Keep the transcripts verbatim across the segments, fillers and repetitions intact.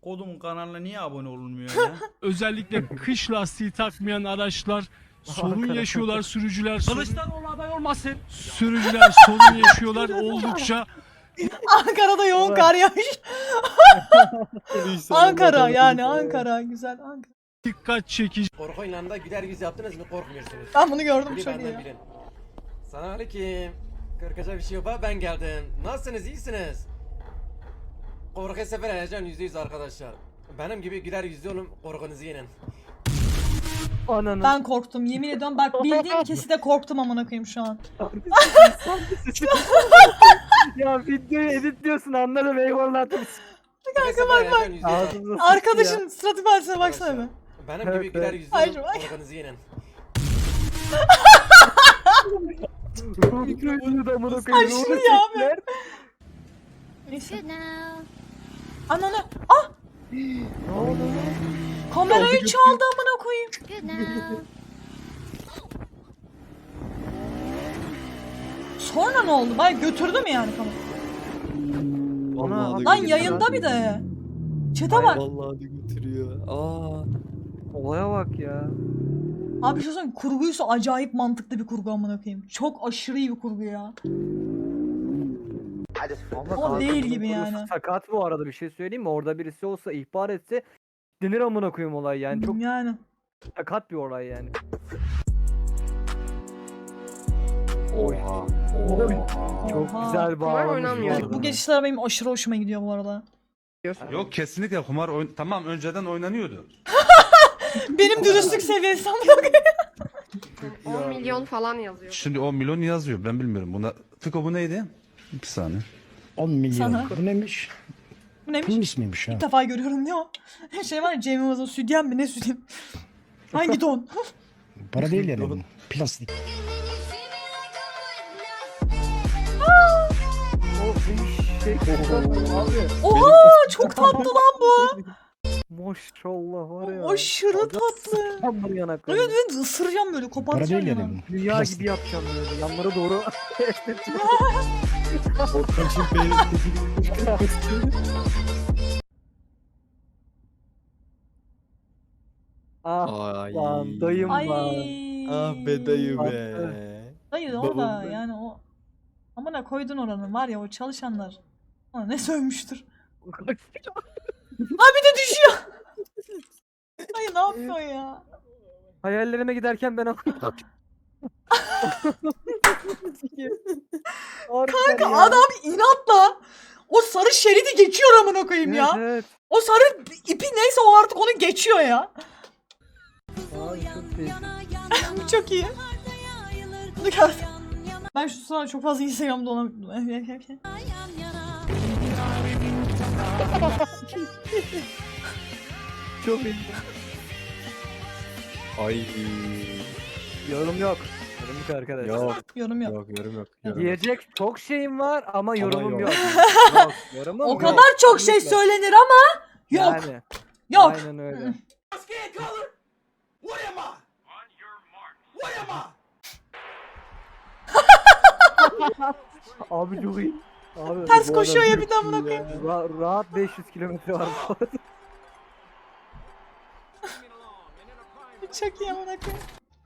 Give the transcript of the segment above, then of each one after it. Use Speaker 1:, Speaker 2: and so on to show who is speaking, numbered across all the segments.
Speaker 1: Kodumun kanalına niye abone olunmuyor ya?
Speaker 2: Özellikle kış lastiği takmayan araçlar sorun yaşıyorlar, sürücüler sorun,
Speaker 1: Kılıçdaroğlu aday olmasın.
Speaker 2: sürücüler sorun yaşıyorlar oldukça.
Speaker 3: Ankara'da yoğun kar yağış. Ankara yani Ankara güzel Ankara.
Speaker 2: Dikkat çekici.
Speaker 4: Korku oyunlarında güler yüz yaptınız mı korkmuyorsunuz.
Speaker 3: Ben bunu gördüm
Speaker 4: Biri
Speaker 3: çok iyi
Speaker 4: benden
Speaker 3: ya.
Speaker 4: bilin. Selamünaleyküm. Korkacak bir şey yok ha, ben geldim. Nasılsınız, iyisiniz? Korku sefer heyecan yüzde yüz arkadaşlar. Benim gibi güler yüzlü olun, korkunuzu yenin.
Speaker 5: Ananı.
Speaker 3: Ben korktum yemin ediyorum bak bildiğim keside korktum amına koyayım şu an.
Speaker 5: Ya videoyu editliyorsun anladım eyvallah.
Speaker 4: Kanka bak bak.
Speaker 5: Ağzınıza
Speaker 3: Arkadaşın surat ifadesine baksana bir.
Speaker 4: Benim
Speaker 5: Evet,
Speaker 4: gibi güler
Speaker 5: evet.
Speaker 4: yüzlü
Speaker 3: Hayır,
Speaker 4: olun,
Speaker 3: hayır.
Speaker 4: korkunuzu yenin.
Speaker 5: Mikrofonu da amına koyayım.
Speaker 3: Aşırı
Speaker 5: Onu
Speaker 3: ya
Speaker 5: çektiler.
Speaker 3: abi. Neyse.
Speaker 6: Good now.
Speaker 3: Ananı. Ah!
Speaker 5: Ne oldu?
Speaker 3: Kamerayı çaldı amına koyayım.
Speaker 6: Good now.
Speaker 3: Sonra ne oldu? Bay götürdü mü yani kamerayı?
Speaker 5: Ana,
Speaker 3: Lan yayında bir de. Çete bak.
Speaker 7: Vallahi de götürüyor. Aa.
Speaker 5: Olaya bak ya.
Speaker 3: Abi şu söyleyeyim kurguysa acayip mantıklı bir kurgu amına koyayım. Çok aşırı iyi bir kurgu ya.
Speaker 5: Ama
Speaker 3: O değil
Speaker 5: kanka,
Speaker 3: gibi
Speaker 5: bunun
Speaker 3: yani.
Speaker 5: konusu Sakat bu arada bir şey söyleyeyim mi? Orada birisi olsa ihbar etse denir amına koyayım olay yani. Çok
Speaker 3: Yani.
Speaker 5: sakat bir olay yani.
Speaker 7: Oha.
Speaker 5: Oy. Çok
Speaker 3: Oha.
Speaker 5: güzel bağlamış bu
Speaker 8: oynanmıyor.
Speaker 5: arada.
Speaker 3: Bu geçişler benim aşırı hoşuma gidiyor bu arada.
Speaker 9: Yok kesinlikle kumar oyn tamam önceden oynanıyordu.
Speaker 3: Benim dürüstlük seviyesi amına koyayım.
Speaker 8: on milyon falan yazıyor.
Speaker 9: Şimdi on milyon yazıyor ben bilmiyorum. Buna Fiko bu neydi? Bir saniye.
Speaker 10: on milyon.
Speaker 3: Sana.
Speaker 10: Bu neymiş?
Speaker 3: Bu neymiş?
Speaker 10: Film ismiymiş ha.
Speaker 3: İlk defa görüyorum ne o? Şey var ya Cem Yılmaz'ın sütyen mi ne sütyen? Hangi don?
Speaker 10: Para değil yani bu. Plastik.
Speaker 5: O bir şey. Abi.
Speaker 3: Oha çok tatlı lan bu.
Speaker 5: Maşallah var ya.
Speaker 3: Aşırı tatlı.
Speaker 5: Tam bunu yanakları.
Speaker 3: Evet evet ısıracağım böyle
Speaker 10: Para
Speaker 3: kopartacağım
Speaker 10: değil
Speaker 3: ya.
Speaker 10: yani bu.
Speaker 5: Dünya
Speaker 10: Plastik.
Speaker 5: gibi yapacağım böyle. Yanlara doğru.
Speaker 7: Ortancım beni
Speaker 5: ah
Speaker 7: Ay.
Speaker 5: lan dayım
Speaker 3: Ay.
Speaker 5: var.
Speaker 7: Ah be dayı
Speaker 5: Tatlı.
Speaker 7: be.
Speaker 3: Hayır
Speaker 7: Babam
Speaker 3: orada
Speaker 7: ben.
Speaker 3: yani o. Amına koydun oranı var ya o çalışanlar. Ona ne sövmüştür. Ha bir de düşüyor. Hayır ne yapıyorsun ya?
Speaker 5: Hayallerime giderken ben
Speaker 3: Kanka adam inatla o sarı şeridi geçiyor amına koyayım
Speaker 5: evet,
Speaker 3: ya.
Speaker 5: Evet.
Speaker 3: O sarı ipi neyse o artık onu geçiyor ya.
Speaker 5: Abi çok iyi.
Speaker 3: Bu çok iyi. Bunu gör. Ben şu sıra çok fazla Instagram'da olamıyorum.
Speaker 5: Çok iyi.
Speaker 7: Ay.
Speaker 5: Yorum yok. Yorum yok arkadaş.
Speaker 7: Yok.
Speaker 3: Yorum yok.
Speaker 7: Yok yorum yok. Yorum yok.
Speaker 5: Diyecek çok şeyim var ama yorumum
Speaker 7: yok.
Speaker 5: yok. Yok. Yorumum
Speaker 3: O
Speaker 5: yok.
Speaker 3: kadar çok şey
Speaker 5: Kesinlikle.
Speaker 3: söylenir ama yok.
Speaker 5: Yani,
Speaker 3: Yok.
Speaker 5: Aynen öyle. Abi çok iyi. Abi,
Speaker 3: Ters
Speaker 5: bu
Speaker 3: koşuyor
Speaker 5: adam
Speaker 3: ya bir de amına koyayım.
Speaker 5: ra- rahat beş yüz kilometre var bu arada.
Speaker 3: Çok iyi amına koyayım.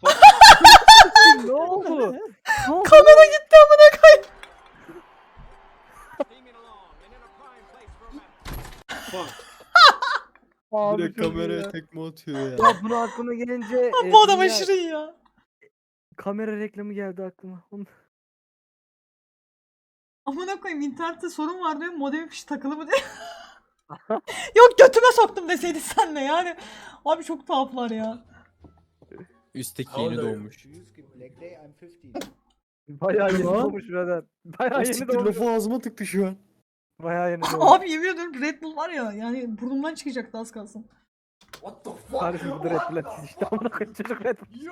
Speaker 5: Ne oldu? Ne oldu?
Speaker 3: Kamera gitti amına koyayım.
Speaker 5: Abi
Speaker 7: Direkt
Speaker 5: çok iyi
Speaker 7: kameraya
Speaker 5: ya.
Speaker 7: tekme atıyor ya.
Speaker 5: Ya bunu aklıma gelince e,
Speaker 3: Bu adam
Speaker 5: dünya-
Speaker 3: aşırı iyi ya.
Speaker 5: kamera reklamı geldi aklıma. Onu-
Speaker 3: Amına koyayım internette sorun var diyor modem fişi takılı mı diyor. Yok götüme soktum deseydin sen de yani. Abi çok tuhaflar ya.
Speaker 7: Üstteki yeni doğmuş.
Speaker 5: Bayağı yeni
Speaker 7: Lan.
Speaker 5: doğmuş birader. Bayağı yeni
Speaker 7: Siktir
Speaker 5: doğmuş.
Speaker 7: lafı ağzıma tıktı şu an.
Speaker 5: Bayağı yeni doğmuş.
Speaker 3: Abi yemin ediyorum Red Bull var ya yani burnumdan çıkacaktı az kalsın.
Speaker 5: Kardeşim bu da Red Bull atış işte amına koyayım çocuk Red Bull.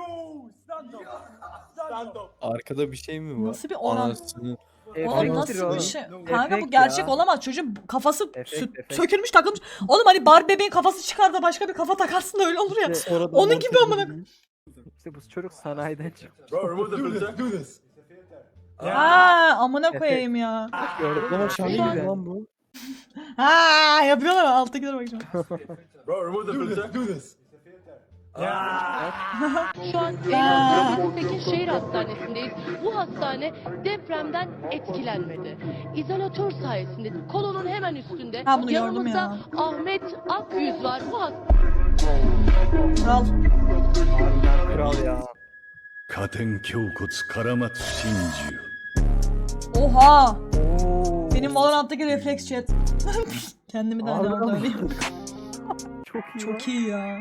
Speaker 7: Arkada bir şey mi var?
Speaker 3: Nasıl bir oran?
Speaker 7: Anasını.
Speaker 3: Oğlum
Speaker 5: Efekttir
Speaker 3: nasıl
Speaker 5: oğlum.
Speaker 3: bir şey? Kanka bu
Speaker 5: Efekt
Speaker 3: gerçek
Speaker 5: ya.
Speaker 3: olamaz çocuğun kafası
Speaker 5: Efekt,
Speaker 3: sü-
Speaker 5: efekt.
Speaker 3: sökülmüş takılmış. Oğlum hani Barbie bebeğin kafası çıkar da başka bir kafa takarsın da öyle olur ya.
Speaker 5: İşte,
Speaker 7: Sonradan
Speaker 3: Onun gibi
Speaker 7: montaj
Speaker 3: amına
Speaker 7: edilmiş.
Speaker 5: işte bu çocuk sanayiden çıkmış.
Speaker 3: Ha amına koyayım ya.
Speaker 5: Gördüm.
Speaker 7: Ama
Speaker 5: Çok
Speaker 7: şahane
Speaker 5: güzel.
Speaker 7: lan bu.
Speaker 3: Ha yapıyorlar mı? Alttakilere bakacağım.
Speaker 6: Şu an Elazığ Şehir Hastanesi'ndeyiz. Bu hastane depremden etkilenmedi. İzolatör sayesinde kolonun hemen üstünde
Speaker 3: Ha, bunu gördüm
Speaker 6: yanımızda
Speaker 3: ya.
Speaker 6: Ahmet Akyüz var. Bu hastane
Speaker 3: Kral.
Speaker 5: Harbiden kral ya.
Speaker 9: Katen Kyokotsu Karamatsu Shinju.
Speaker 3: Oha.
Speaker 5: Oo.
Speaker 3: Benim Valorant'taki refleks chat. Kendimi de hani
Speaker 5: Harbiden
Speaker 3: orada
Speaker 5: mi?
Speaker 3: öyleyim.
Speaker 5: Çok iyi. lan.
Speaker 3: Çok iyi ya.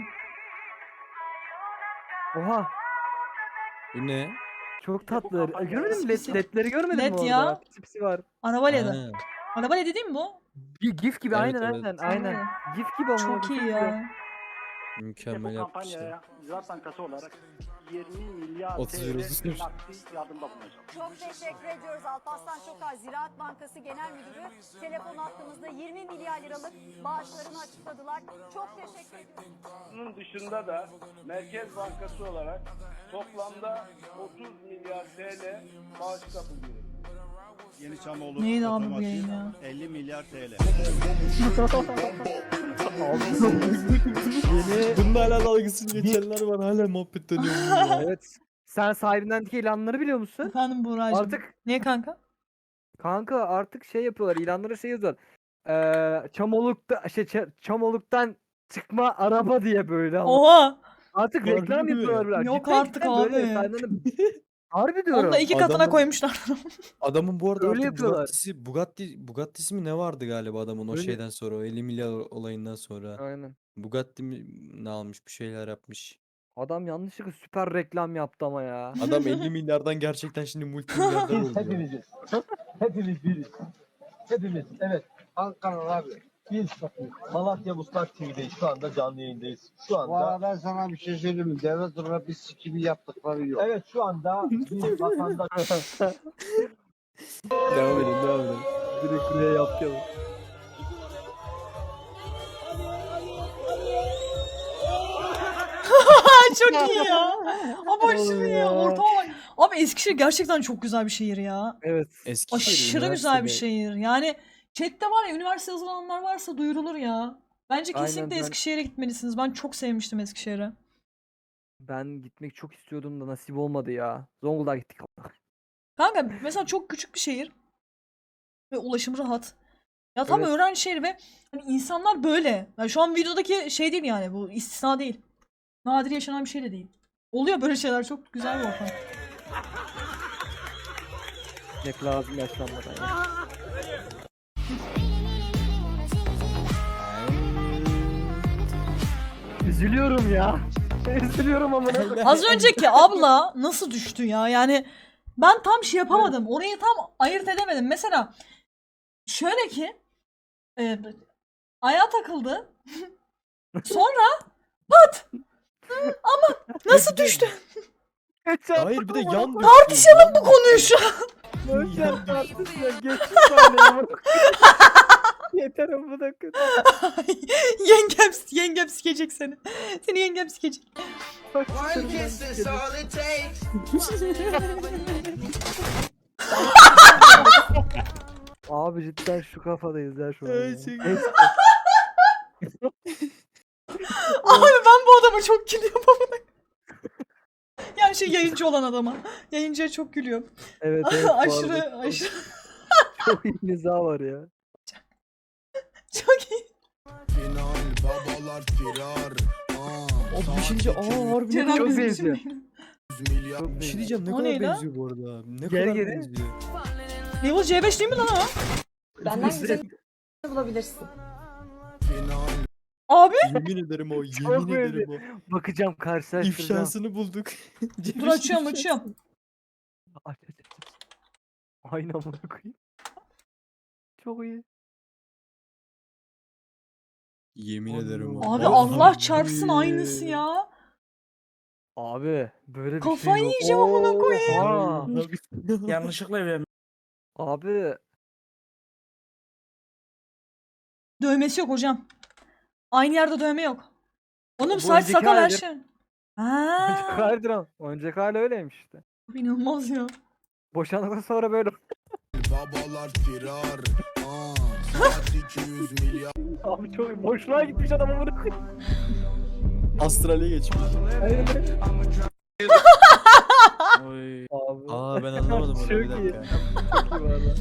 Speaker 5: Oha.
Speaker 7: Bu ne?
Speaker 5: Çok tatlı. Görmedin mi?
Speaker 3: Pisi
Speaker 5: Led, ledleri görmedin
Speaker 3: Led
Speaker 5: mi orada?
Speaker 3: ya.
Speaker 5: Pisi pisi var.
Speaker 3: Araba ledi.
Speaker 7: Ha.
Speaker 3: Araba ledi değil mi bu?
Speaker 5: Bir gif gibi
Speaker 7: Evet,
Speaker 5: aynen
Speaker 7: evet.
Speaker 5: aynen aynen.
Speaker 3: Evet.
Speaker 5: Gif gibi ama.
Speaker 3: Çok iyi ya.
Speaker 7: Mükemmel yapmışlar.
Speaker 10: Ziraat Bankası olarak yirmi milyar
Speaker 7: otuz euro tutmuş.
Speaker 10: yardımda bulunacak.
Speaker 11: Çok teşekkür ediyoruz Alparslan Çokar. Ziraat Bankası Genel Müdürü telefon hattımızda yirmi milyar liralık bağışlarını açıkladılar. Çok teşekkür ediyoruz.
Speaker 10: Bunun dışında da Merkez Bankası olarak toplamda otuz milyar T L bağışta bulunuyor.
Speaker 1: Yeni Çamoğlu
Speaker 3: Neydi abi bu yayın ya?
Speaker 1: elli milyar T L.
Speaker 5: Yeni.
Speaker 7: Bununla hala dalgasını geçenler var. Hala muhabbet dönüyor. bunun ya.
Speaker 5: Evet. Sen sahibindendeki ilanları biliyor musun?
Speaker 3: Efendim Buğra'cığım.
Speaker 5: Artık
Speaker 3: Niye kanka?
Speaker 5: kanka artık şey yapıyorlar. İlanlara şey yazıyorlar. Ee, Çamoluk'ta şey Ç- Çamoluk'tan çıkma araba diye böyle ama.
Speaker 3: Oha.
Speaker 5: Artık
Speaker 7: Harbi
Speaker 5: reklam
Speaker 7: mi?
Speaker 5: yapıyorlar. böyle.
Speaker 3: Yok
Speaker 5: Cidden
Speaker 3: artık
Speaker 5: cidden böyle
Speaker 3: abi.
Speaker 5: sahibindenden- Harbi diyorum.
Speaker 3: Onu da iki katına
Speaker 7: Adamın-
Speaker 3: koymuşlar.
Speaker 7: Adamın bu arada
Speaker 5: Öyle
Speaker 7: artık
Speaker 5: yapıyorlar.
Speaker 7: Bugatti'si, Bugatti, Bugatti'si mi ne vardı galiba adamın o
Speaker 5: Öyle.
Speaker 7: şeyden sonra, o elli milyar olayından sonra.
Speaker 5: Aynen.
Speaker 7: Bugatti mi ne almış, bir şeyler yapmış.
Speaker 5: Adam yanlışlıkla süper reklam yaptı ama ya.
Speaker 7: Adam elli milyardan gerçekten şimdi multimilyarder oldu.
Speaker 10: Hepimiziz. Hepimiz biriz. Hepimiz. Evet. Ankara abi. Biz Malatya Muslak T V'deyiz. Şu anda canlı yayındayız. Şu anda.
Speaker 12: Valla ben sana bir şey söyleyeyim mi? Devlet olarak bir sikimi yaptıkları yok.
Speaker 10: Evet şu anda bir vatandaş.
Speaker 7: Devam edin, devam edin.
Speaker 5: Direkt buraya yapıyor.
Speaker 3: Çok iyi ya. Ama şimdi ya. Ortama bak. Abi Eskişehir gerçekten çok güzel bir şehir ya.
Speaker 5: Evet.
Speaker 7: Eskişehir
Speaker 3: Aşırı güzel bir
Speaker 7: üniversitede-
Speaker 3: şehir. Yani chatte var ya üniversite yazılanlar varsa duyurulur ya. Bence
Speaker 5: Aynen,
Speaker 3: kesinlikle
Speaker 5: ben-
Speaker 3: Eskişehir'e gitmelisiniz. Ben çok sevmiştim Eskişehir'i.
Speaker 5: Ben gitmek çok istiyordum da nasip olmadı ya. Zonguldak'a gittik.
Speaker 3: Kanka mesela çok küçük bir şehir. Ve ulaşım rahat. Ya tam
Speaker 5: Evet.
Speaker 3: öğrenci şehri ve hani insanlar böyle. Yani şu an videodaki şey değil yani bu istisna değil. Nadir yaşanan bir şey de değil. Oluyor böyle şeyler çok güzel bir ortam.
Speaker 5: Gitmek lazım yaşlanmadan ya. Üzülüyorum ya. Üzülüyorum amına.
Speaker 3: Az önceki abla nasıl düştü ya? Yani ben tam şey yapamadım. Orayı tam ayırt edemedim. Mesela şöyle ki e, ayağa takıldı. Sonra pat! Ama nasıl düştü?
Speaker 7: Hayır, bir de yan
Speaker 3: Tartışalım bu konuyu şu an.
Speaker 5: Boşver tartışma. Geçti saniye amına. Yeter amına koyayım.
Speaker 3: yengem, yengem sikecek seni. Seni yengem sikecek.
Speaker 5: Abi cidden şu kafadayız ya şu an. ya.
Speaker 7: Gerçekten.
Speaker 3: Abi ben bu adama çok gülüyorum amına. Yani şey yayıncı olan adama. Yayıncıya çok gülüyorum.
Speaker 5: Evet evet. bu arada
Speaker 3: aşırı aşırı
Speaker 5: çok iyi mizah var ya.
Speaker 3: çok iyi.
Speaker 7: O bir şey diyeceğim. Aa harbi ne
Speaker 3: Ceren
Speaker 7: kadar
Speaker 5: çok
Speaker 3: bizim
Speaker 5: benziyor.
Speaker 3: için
Speaker 5: Çok
Speaker 7: Bir şey
Speaker 5: iyi.
Speaker 7: diyeceğim, ne
Speaker 3: O
Speaker 7: kadar
Speaker 3: ne lan?
Speaker 7: benziyor bu arada. Ne
Speaker 5: Geri
Speaker 7: kadar
Speaker 5: geri.
Speaker 7: benziyor.
Speaker 3: Level C beş değil mi lan o?
Speaker 11: Benden güzel bulabilirsin.
Speaker 3: Abi
Speaker 7: Yemin ederim o,
Speaker 5: Çok
Speaker 7: yemin
Speaker 5: benziyor.
Speaker 7: ederim o.
Speaker 5: Bakacağım karşılaştıracağım.
Speaker 7: İfşasını bulduk.
Speaker 3: dur açıyorum açıyorum.
Speaker 5: Aç aç aç. aç. Aynı amına koyayım. Çok iyi.
Speaker 7: Yemin ederim o.
Speaker 3: Abi
Speaker 5: Abi,
Speaker 3: Allah çarpsın
Speaker 5: iyi.
Speaker 3: aynısı ya.
Speaker 5: Abi böyle bir
Speaker 3: Kafayı
Speaker 5: şey yok.
Speaker 3: yiyeceğim amına koyayım.
Speaker 5: Oha.
Speaker 1: Yanlışlıkla evlenmiş.
Speaker 5: Abi
Speaker 3: Dövmesi yok hocam. Aynı yerde dövme yok. Onun
Speaker 5: Bu
Speaker 3: saç
Speaker 5: önceki
Speaker 3: sakal her
Speaker 5: halidir.
Speaker 3: şey.
Speaker 5: önceki
Speaker 3: Ha,
Speaker 5: halidir ama. Önceki hali öyleymiş işte.
Speaker 3: inanılmaz ya.
Speaker 5: Boşandıktan sonra böyle. Abi çok boşluğa gitmiş adam amına koyayım.
Speaker 7: Astral'e geçmiş.
Speaker 1: Oy.
Speaker 5: Abi.
Speaker 7: Aa ben anlamadım onu,
Speaker 5: Çok
Speaker 7: bir
Speaker 5: iyi.
Speaker 7: dakika.
Speaker 5: Çok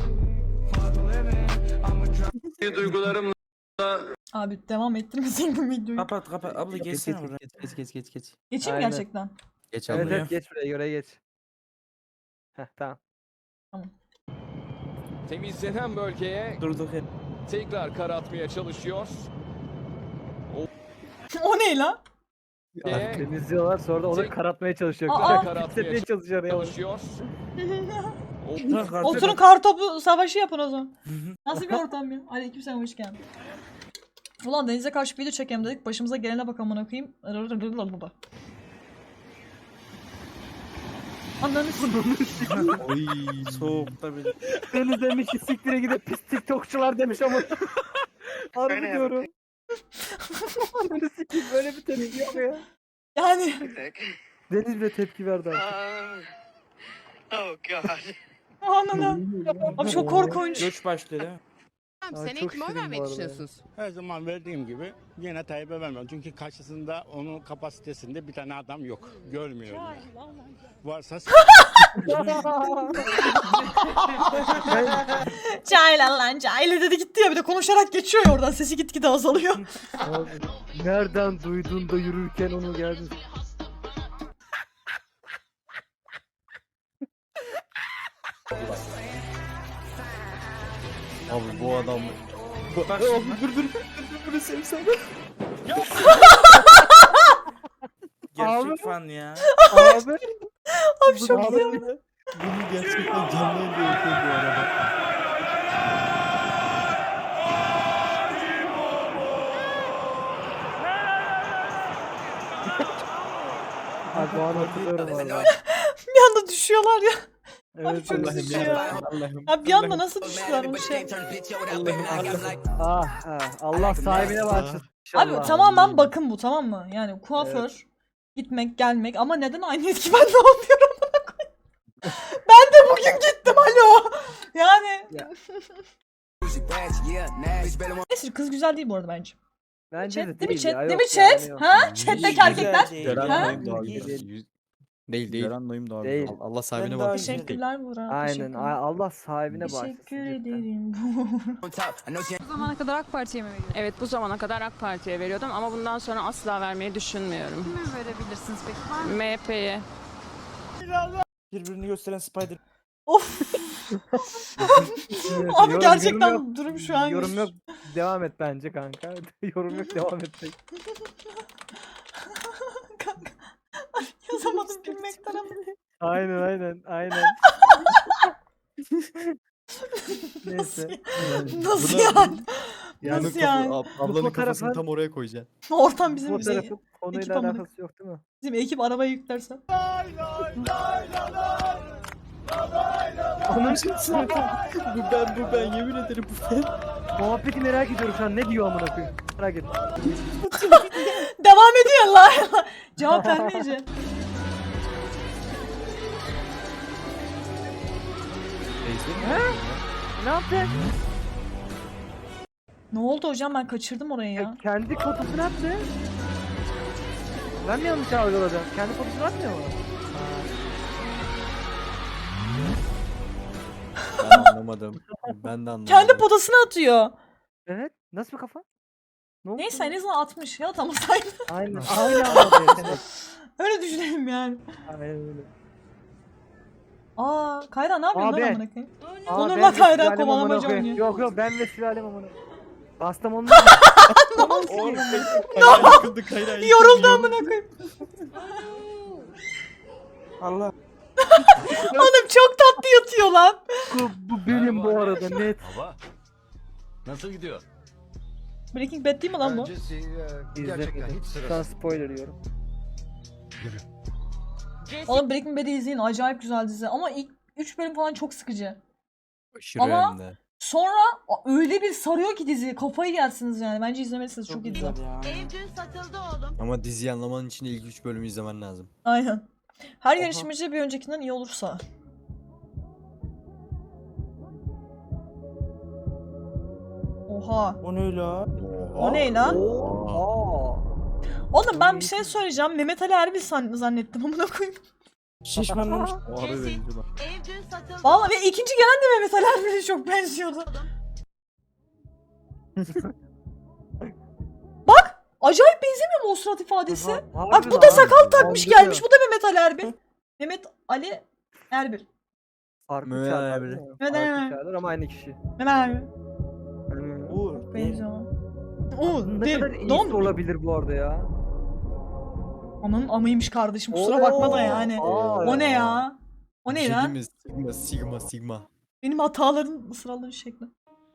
Speaker 5: iyi valla.
Speaker 3: Abi devam ettirmesin bu videoyu.
Speaker 1: Kapat kapat abla
Speaker 7: Geç
Speaker 1: geçsene
Speaker 7: geç
Speaker 1: buraya.
Speaker 7: geç geç geç geç geç.
Speaker 3: Geçeyim mi
Speaker 5: Aynen.
Speaker 3: gerçekten?
Speaker 7: Geç
Speaker 5: Evet
Speaker 7: abla.
Speaker 5: evet geç buraya göre geç. Heh tamam.
Speaker 10: Temizlenen bölgeye
Speaker 1: Durduk hep.
Speaker 10: tekrar kar atmaya çalışıyor.
Speaker 3: O ne lan?
Speaker 10: Ee,
Speaker 5: Temizliyorlar sonra da onu
Speaker 10: Tek-
Speaker 5: karatmaya çalışıyor.
Speaker 3: Aa!
Speaker 5: Kitletmeye çalışıyor ya.
Speaker 10: çalışıyor.
Speaker 3: Oturun kartopu savaşı yapın o zaman. Nasıl bir ortam ya? Aleykümselam, hoş geldin. Ulan denize karşı video çekelim dedik. Başımıza gelene bak amına koyayım. Baba. Ananı s***.
Speaker 7: Oy.
Speaker 1: Soğukta bile.
Speaker 5: Deniz demiş ki siktire gidip pis tiktokçular demiş ama. Harbi diyorum. Ananı sikeyim böyle bir tepki yok ya.
Speaker 3: Yani
Speaker 5: Deniz bile tepki verdi abi.
Speaker 3: anana. Abi çok korkunç.
Speaker 1: Göç başlıyor değil mi?
Speaker 5: Aa, çok şirin bu arada.
Speaker 1: Her zaman verdiğim gibi yine Tayyip'e vermem. Çünkü karşısında onun kapasitesinde bir tane adam yok. Görmüyorum. Varsa
Speaker 3: Cahil lan cahil dedi gitti ya, bir de konuşarak geçiyor ya oradan, sesi gitgide azalıyor.
Speaker 5: Abi, nereden duydun da yürürken onu geldin?
Speaker 7: Abi bu adam.
Speaker 1: bak
Speaker 7: Abi
Speaker 1: şimdi.
Speaker 7: dur dur dur dur bunu sevsene.
Speaker 1: Gerçek
Speaker 5: Abi.
Speaker 1: fan ya.
Speaker 5: Abi.
Speaker 3: Abi çok
Speaker 7: Abi,
Speaker 3: iyi.
Speaker 7: Bunu gerçekten canlı yayında yapıyor bu arada.
Speaker 5: Abi bu an hatırlıyorum valla.
Speaker 3: Bir anda düşüyorlar ya.
Speaker 5: Evet
Speaker 3: çok
Speaker 5: Allah'ım
Speaker 3: üzücü
Speaker 5: ya.
Speaker 3: ya.
Speaker 7: Allah'ım.
Speaker 3: Ya bir anda nasıl düştüler onu şey.
Speaker 5: Ah, ah, Allah sahibine bağışlasın.
Speaker 3: Abi
Speaker 5: İnşallah.
Speaker 3: tamamen bakın bu, tamam mı? Yani kuaför, gitmek gelmek, ama neden aynı etki, ben ne yapıyorum? Ben de bugün gittim, alo. Yani.
Speaker 5: Ya.
Speaker 3: Neyse, kız güzel değil bu arada bence.
Speaker 5: Bence
Speaker 3: Chat,
Speaker 5: de
Speaker 3: değil mi
Speaker 5: değil
Speaker 3: chat?
Speaker 5: ya,
Speaker 3: Değil
Speaker 5: yok
Speaker 3: mi chat?
Speaker 5: yani yok.
Speaker 3: Ha? Chat'teki erkekler.
Speaker 7: Ceren
Speaker 3: Ha?
Speaker 7: Noyum daha
Speaker 1: Değil.
Speaker 7: güzel. Yüz- Değil değil. Ceren Noyum daha
Speaker 5: Değil.
Speaker 7: güzel. Allah sahibine
Speaker 1: Ben daha
Speaker 7: bak.
Speaker 1: güzel.
Speaker 3: Teşekkürler Burak.
Speaker 5: Aynen.
Speaker 3: teşekkürler.
Speaker 5: ay- Allah sahibine bağışlasın.
Speaker 3: Teşekkür
Speaker 5: cidden.
Speaker 3: ederim.
Speaker 8: Bu zamana kadar AK Parti'ye mi veriyordun? Evet, bu zamana kadar AK Parti'ye veriyordum ama bundan sonra asla vermeyi düşünmüyorum. Kime verebilirsiniz peki? Var mı? M H P'ye.
Speaker 1: Birbirini gösteren Spider.
Speaker 3: Of.
Speaker 5: Evet,
Speaker 3: Abi
Speaker 5: yorum-
Speaker 3: gerçekten
Speaker 5: yorum yok.
Speaker 3: durum şu an.
Speaker 5: Yorum yok. Devam et bence kanka. Yorum yok, devam et.
Speaker 3: Kanka. Ay, yazamadım gülmekten ama.
Speaker 5: Aynen aynen aynen. Neyse.
Speaker 3: Nasıl
Speaker 7: Buna-
Speaker 3: yani?
Speaker 7: Yani
Speaker 3: Nasıl yani?
Speaker 7: ab- ablanın
Speaker 5: fotoğrafı-
Speaker 7: kafasını tam oraya koyacaksın.
Speaker 3: Ortam bizim
Speaker 5: Bu
Speaker 3: bizim,
Speaker 5: tarafın konuyla
Speaker 3: ekip amına-
Speaker 5: alakası yok değil mi?
Speaker 3: bizim ekip arabaya yüklersen.
Speaker 5: Onun
Speaker 7: bu ben bu ben yemin ederim bu ben.
Speaker 5: muhabbeti merak ediyorum şu an, ne diyor amına koyayım. Merak ettim.
Speaker 3: Devam ediyor la. Cevap vermeyeceğim.
Speaker 5: Ne yaptı?
Speaker 3: Ne oldu hocam, ben kaçırdım orayı ya.
Speaker 5: Kendi fotosunu attı. Ben mi yanlış algıladım? Kendi fotosunu atmıyor mu?
Speaker 7: Ben anlamadım. Ben de anlamadım.
Speaker 3: Kendi potasını atıyor.
Speaker 5: Evet. Nasıl bir kafa? Ne oldu?
Speaker 3: Neyse en azından atmış ya, tamam sayın.
Speaker 5: Aynen. Aynen anladım.
Speaker 3: Öyle düşünelim yani.
Speaker 5: Aynen öyle.
Speaker 3: Aa, Kayra ne yapıyorsun
Speaker 5: Abi.
Speaker 3: lan amına koyayım?
Speaker 5: Aa,
Speaker 3: Onur'la
Speaker 5: ben ve
Speaker 3: Kayra
Speaker 5: sülalem
Speaker 3: kovalamaca
Speaker 5: amına koyayım.
Speaker 3: oynuyor.
Speaker 5: Yok yok, ben ve sülalem amına. Kastamonu.
Speaker 7: Oğlum Kayra yıkıldı Kayra yıkıldı.
Speaker 3: Yoruldu amına koyayım.
Speaker 1: Allah.
Speaker 3: Oğlum çok tatlı yatıyor lan.
Speaker 5: bu, bu benim bu arada net.
Speaker 10: Baba. Nasıl gidiyor?
Speaker 3: Breaking Bad değil mi lan bu?
Speaker 5: İzlemedim. Şu an spoiler yiyorum.
Speaker 3: Oğlum Breaking Bad'i izleyin, acayip güzel dizi. Ama ilk üç bölüm falan çok sıkıcı.
Speaker 7: Aşırı
Speaker 3: Ama-
Speaker 7: hem de.
Speaker 3: Sonra öyle bir sarıyor ki dizi, kafayı yersiniz yani. Bence izlemelisiniz, çok, iyi dizi.
Speaker 1: güzel ya.
Speaker 6: Ev dün satıldı oğlum.
Speaker 7: Ama diziyi anlaman için ilk üç bölümü izlemen lazım.
Speaker 3: Aynen. Her
Speaker 5: Oha.
Speaker 3: yarışmacı bir öncekinden iyi olursa. Oha.
Speaker 7: O ne la?
Speaker 3: O ne lan?
Speaker 5: Aa.
Speaker 3: Oğlum ben bir şey söyleyeceğim. Mehmet Ali Erbil san- zannettim amına koyayım.
Speaker 7: Şişmanlamış. O harbi benziyor bak.
Speaker 11: Ev dün satıldı.
Speaker 3: Vallahi ve ikinci gelen de Mehmet Ali Erbil'e çok benziyordu. Bak! Acayip benzemiyor mu o surat ifadesi?
Speaker 5: Harbi
Speaker 3: Bak bu
Speaker 5: lan,
Speaker 3: da sakal takmış
Speaker 5: andırıyor.
Speaker 3: gelmiş. Bu da Mehmet Ali Erbil. Mehmet Ali Erbil.
Speaker 5: Farklı
Speaker 7: Mehmet
Speaker 5: çağlar.
Speaker 7: abi.
Speaker 5: değil mi?
Speaker 3: Mehmet
Speaker 5: Farklı
Speaker 3: Ali.
Speaker 5: çağlar ama aynı kişi.
Speaker 3: Mehmet Ali Erbil.
Speaker 5: Hmm.
Speaker 7: Uğur.
Speaker 3: Benziyor. Oo,
Speaker 5: Ne
Speaker 3: değil.
Speaker 5: kadar iyisi
Speaker 3: Don.
Speaker 5: olabilir bu arada ya.
Speaker 3: Ananın amıymış kardeşim. Kusura bakma da yani.
Speaker 5: Aa,
Speaker 3: O ne ya? O ne lan?
Speaker 7: Sigma sigma sigma.
Speaker 3: Benim hataların ısrarları şekli.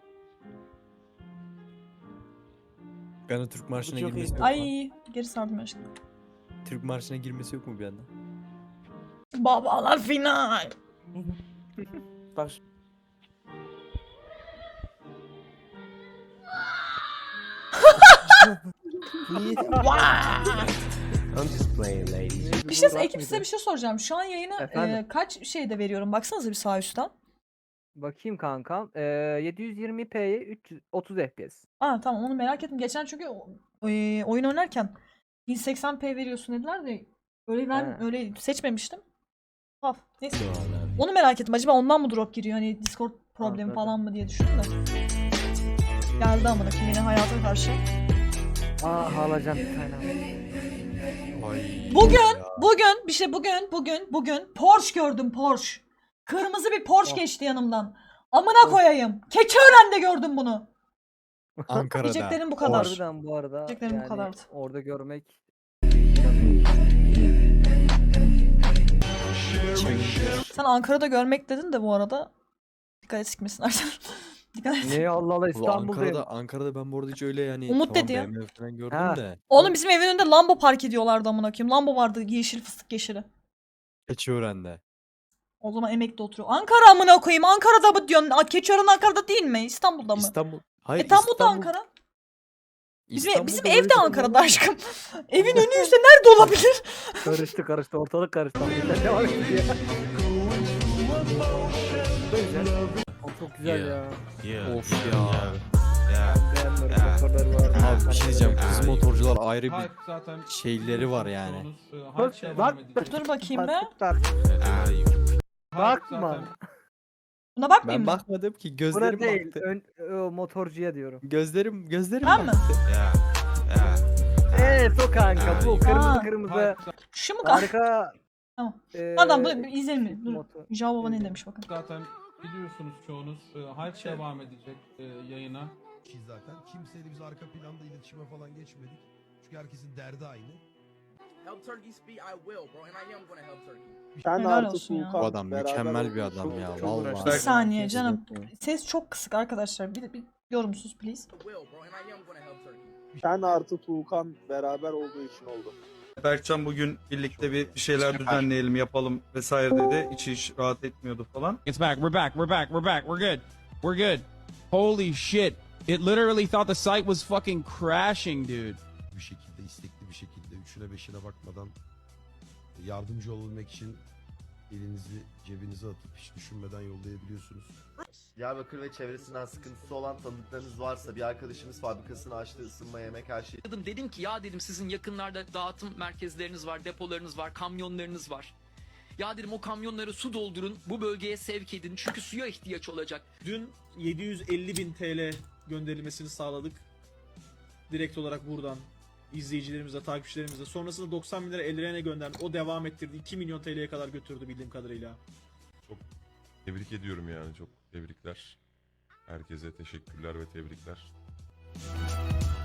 Speaker 7: Ben o Türk marşına
Speaker 5: çok
Speaker 7: girmesi
Speaker 5: iyi.
Speaker 7: yok mu?
Speaker 3: Ay geri sardım aşkım.
Speaker 7: Türk marşına girmesi yok mu bir anda?
Speaker 3: Babalar final.
Speaker 7: Bak.
Speaker 3: Bir şey ekip size bir şey soracağım. Şu an yayını
Speaker 5: Efendim?
Speaker 3: e, kaç şeyde veriyorum? Baksanıza bir sağ üstten.
Speaker 5: Bakayım kankam. Ee, yedi yüz yirmi p'ye üç yüz otuz F P S.
Speaker 3: Aa tamam onu merak ettim. Geçen çünkü e, oyun oynarken bin seksen p veriyorsun dediler de öyle ben
Speaker 5: He.
Speaker 3: öyle seçmemiştim. Haf. Neyse. Onu merak ettim. Acaba ondan mı drop giriyor? Hani Discord problemi
Speaker 5: Anladım.
Speaker 3: falan mı diye düşündüm de. Geldi amına kim yine hayata karşı.
Speaker 5: Aa alacağım bir tane.
Speaker 3: Bugün, bugün bir şey bugün, bugün, bugün Porsche gördüm Porsche. Kırmızı bir Porsche
Speaker 5: Oh.
Speaker 3: geçti yanımdan. Amına koyayım. Keçiören'de gördüm bunu.
Speaker 7: Ankara'da.
Speaker 3: Diyeceklerim bu kadar.
Speaker 5: Harbiden bu arada.
Speaker 3: Diyeceklerim bu
Speaker 5: yani
Speaker 3: kadardı.
Speaker 5: Orada görmek.
Speaker 3: Sen Ankara'da görmek dedin de bu arada. Dikkat et sikmesinler. Dikkat et.
Speaker 5: Ne Allah Allah
Speaker 7: Ulan
Speaker 5: İstanbul'dayım.
Speaker 7: Ankara'da, Ankara'da ben bu arada hiç öyle yani
Speaker 3: Umut
Speaker 7: tamam
Speaker 3: dedi ya.
Speaker 7: B M W falan gördüm
Speaker 5: Ha.
Speaker 7: de.
Speaker 3: Oğlum bizim evin önünde Lambo park ediyorlardı amına koyayım. Lambo vardı yeşil fıstık yeşili.
Speaker 7: Keçiören'de.
Speaker 3: O zaman emekli oturuyor. Ankara amına koyayım. Ankara'da mı diyorsun? Aa, Keçiören Ankara'da değil mi? İstanbul'da mı?
Speaker 7: İstanbul. Hayır
Speaker 3: E tam bu da
Speaker 7: İstanbul.
Speaker 3: Ankara. Bizim,
Speaker 7: İstanbul'da
Speaker 3: bizim
Speaker 7: böyle
Speaker 3: ev de
Speaker 7: bir şey
Speaker 3: Ankara'da
Speaker 7: olmaz.
Speaker 3: aşkım. Evin önüyse nerede olabilir?
Speaker 5: Karıştı karıştı ortalık karıştı. Sen devam et diye. O çok güzel ya.
Speaker 7: Of ya.
Speaker 5: Beğenmiyorum motorları var.
Speaker 7: Abi bir şey diyeceğim. Kız motorcular ayrı bir
Speaker 13: zaten
Speaker 7: şeyleri var yani.
Speaker 5: Bak bak.
Speaker 3: Dur bakayım be.
Speaker 5: Bakma.
Speaker 3: Buna bakmayayım
Speaker 7: Ben
Speaker 3: mı?
Speaker 7: bakmadım ki
Speaker 5: Buna
Speaker 7: gözlerim
Speaker 5: değil.
Speaker 7: baktı.
Speaker 5: Ön, o motorcuya diyorum.
Speaker 7: Gözlerim gözlerim
Speaker 3: Ben mi?
Speaker 7: baktı.
Speaker 5: Evet o kanka bu kırmızı
Speaker 3: Aa.
Speaker 5: kırmızı
Speaker 3: Şu mu kanka?
Speaker 5: harika.
Speaker 3: Tamam.
Speaker 5: eee,
Speaker 3: Adam bu izleyelim. Dur.
Speaker 5: motor.
Speaker 3: Java Baba ne demiş bakın.
Speaker 13: zaten biliyorsunuz çoğunuz Hype devam edecek e, yayına.
Speaker 10: Ki zaten kimseyle biz arka planda iletişime falan geçmedik. Çünkü herkesin derdi aynı.
Speaker 12: Sen
Speaker 3: Helal olsun ya.
Speaker 7: Bu adam mükemmel bir adam ya
Speaker 3: Bir
Speaker 7: vallahi.
Speaker 3: saniye canım. Ses çok kısık arkadaşlar. Bir, bir yorumsuz please.
Speaker 12: Sen artı Tuğkan beraber olduğu için oldu.
Speaker 9: Berkcan bugün birlikte bir bir şeyler düzenleyelim, yapalım vesaire dedi. İçi hiç rahat etmiyordu falan.
Speaker 13: It's back. We're back. We're back. We're back. We're good. We're good. Holy shit. It literally thought the site was fucking crashing, dude.
Speaker 10: Bir şekilde istekli bir şekilde üçüne beşine bakmadan yardımcı olabilmek için elinizi cebinize atıp hiç düşünmeden yollayabiliyorsunuz.
Speaker 14: Diyarbakır ve çevresinden sıkıntısı olan tanıdıklarınız varsa bir arkadaşımız fabrikasını açtı, ısınma, yemek, her şey.
Speaker 13: Dedim ki ya dedim sizin yakınlarda dağıtım merkezleriniz var, depolarınız var, kamyonlarınız var. Ya dedim o kamyonları su doldurun, bu bölgeye sevk edin çünkü suya ihtiyaç olacak.
Speaker 10: Dün yedi yüz elli bin T L gönderilmesini sağladık. Direkt olarak buradan izleyicilerimize, takipçilerimize. Sonrasında doksan bin lira Elren'e gönderdik. O devam ettirdi. iki milyon T L'ye kadar götürdü bildiğim kadarıyla.
Speaker 9: Tebrik ediyorum yani, çok tebrikler. Herkese teşekkürler ve tebrikler.